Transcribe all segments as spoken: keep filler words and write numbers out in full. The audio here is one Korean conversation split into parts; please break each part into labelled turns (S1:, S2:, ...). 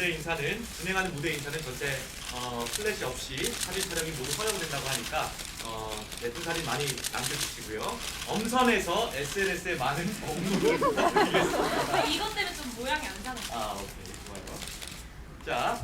S1: 무대 인사는 진행하는 무대 인사는 절대 어, 플래시 없이 사진 촬영이 모두 허용된다고 하니까 어, 예쁜 사진 많이 남겨주시고요. 엄선해서 에스엔에스에 많은 공유를 부탁드리겠습니다.
S2: 이것 때문에 좀 모양이 안 나네.
S1: 아, 오케이, 좋아요. 자.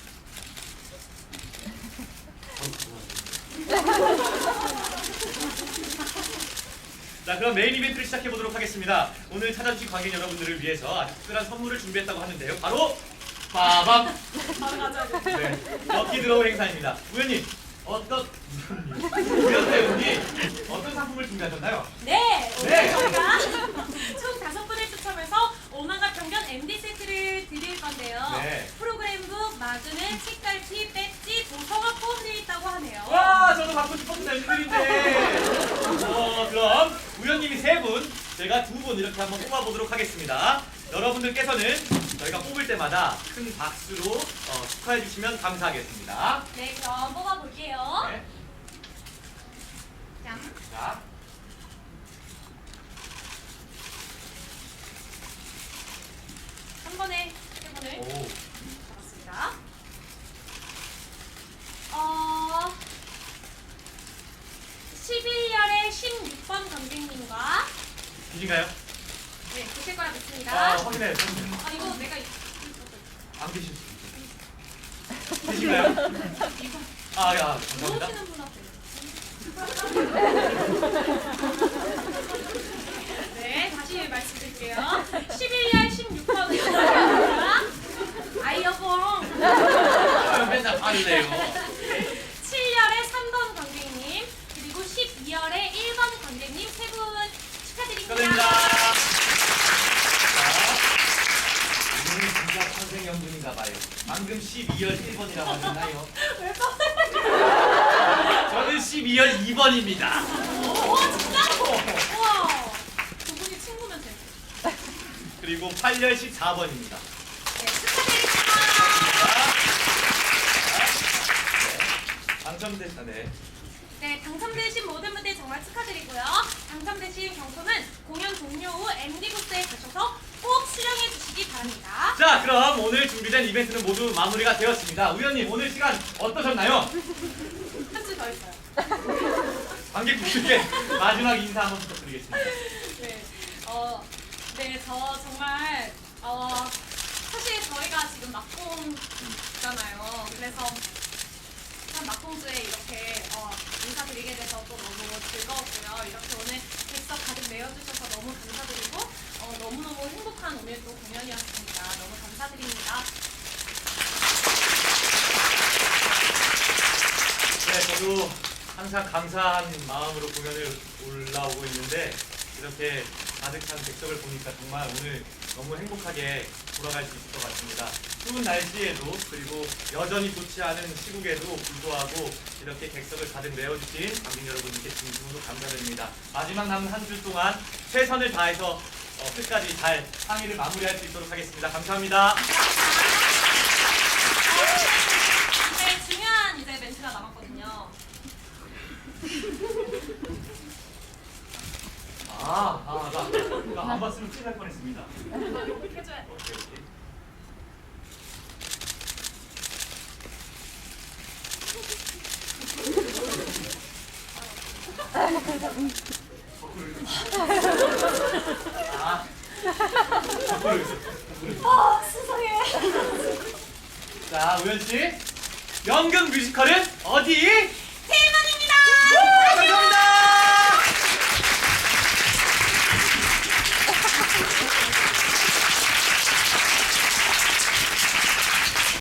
S1: 자, 그럼 메인 이벤트를 시작해 보도록 하겠습니다. 오늘 찾아주신 관객 여러분들을 위해서 아주 특별한 선물을 준비했다고 하는데요. 바로 빠밤!
S2: 바로 가져야 돼.
S1: 네, 럭키 드로우 행사입니다. 우연님, 어떤 우연 배우님 어떤 상품을 준비하셨나요?
S2: 네, 오늘
S1: 네.
S2: 저희가 총 다섯 분을 추첨해서 오만과 편견 엠디 세트를 드릴 건데요.
S1: 네.
S2: 프로그램북, 마그넷, 책갈피, 배지, 도서가 포함되어 있다고 하네요.
S1: 와, 저도 받고 싶었던 엠들인데. 어, 그럼 우연님이 세 분, 제가 두 분 이렇게 한번 뽑아보도록 하겠습니다. 여러분들께서는 저희가 뽑을 때마다 큰 박수로 어, 축하해 주시면 감사하겠습니다.
S2: 네, 그럼 뽑아볼게요.
S1: 네.
S2: 짠.
S1: 자,
S2: 한 번에 세 분을
S1: 오,
S2: 잡았습니다. 어, 십일 열의 십육 번 관객님과
S1: 계신가요?
S2: 네, 보실 거라 믿습니다.
S1: 아, 확인해. 확인해.
S2: 아, 이거 내가 이-
S1: 안 계실 수 있어요. 계신가요?
S2: 이거
S1: 아, 야, 감사합니다.
S2: 모르시는 분 앞에. 네, 다시 말씀드릴게요. 십일 열 십육 번 관객님과 아이여봉
S1: 아, 맨날 화내요.
S2: 칠 열의 삼 번 관객님 그리고 십이 열의 일 번 관객님 세 분 축하드립니다.
S1: 축하드립니다. 자, 이분이 진짜 천생연분인가 봐요. 방금 십이 열 일 번이라고 하셨나요?
S2: 왜 뻔해?
S1: 저는 십이 열 이 번입니다.
S2: 오, 진짜? 우와, 두 분이 친구면 돼.
S1: 그리고 팔 열 십사 번입니다.
S2: 네, 축하드립니다.
S1: 당첨됐다, 네.
S2: 네, 당첨되신 모든 분들 정말 축하드리고요. 당첨되신 경품은 공연 종료 후 엠디 부스에 가셔서 꼭 수령해 주시기 바랍니다.
S1: 자, 그럼 오늘 준비된 이벤트는 모두 마무리가 되었습니다. 우연님, 오늘 시간 어떠셨나요?
S2: 한줄 더 있어요.
S1: 관객분들께 마지막 인사 한번 부탁드리겠습니다.
S2: 네, 어, 네, 저 정말 어, 사실 저희가 지금 막공잖아요. 그래서 참 막공주에 이렇게 어, 인사드리게 돼서 또 너무 즐거웠고요. 이렇게 오늘 객석 가득 메워주셔서 너무 감사드리고 어, 너무너무 행복한 오늘 또 공연이었습니다. 너무 감사드립니다.
S1: 네, 저도 항상 감사한 마음으로 공연을 올라오고 있는데 이렇게 가득한 객석을 보니까 정말 오늘 너무 행복하게 돌아갈 수 있을 것 같습니다. 추운 날씨에도 그리고 여전히 좋지 않은 시국에도 불구하고 이렇게 객석을 가득 메워주신 관객 여러분께 진심으로 감사드립니다. 마지막 남은 한 주 동안 최선을 다해서 어, 끝까지 잘 상의를 마무리할 수 있도록 하겠습니다. 감사합니다.
S2: 네, 중요한 이제 멘트가 남았거든요.
S1: 아, 아, 나, 나 안 봤으면 큰일 날 뻔했습니다.
S2: 이렇게 해줘야 돼.
S1: 오케이, 오케이. 아, 거꾸로 있어. 거꾸로 있어.
S2: 어, 세상에.
S1: 자, 우현 씨, 연극 뮤지컬은 어디?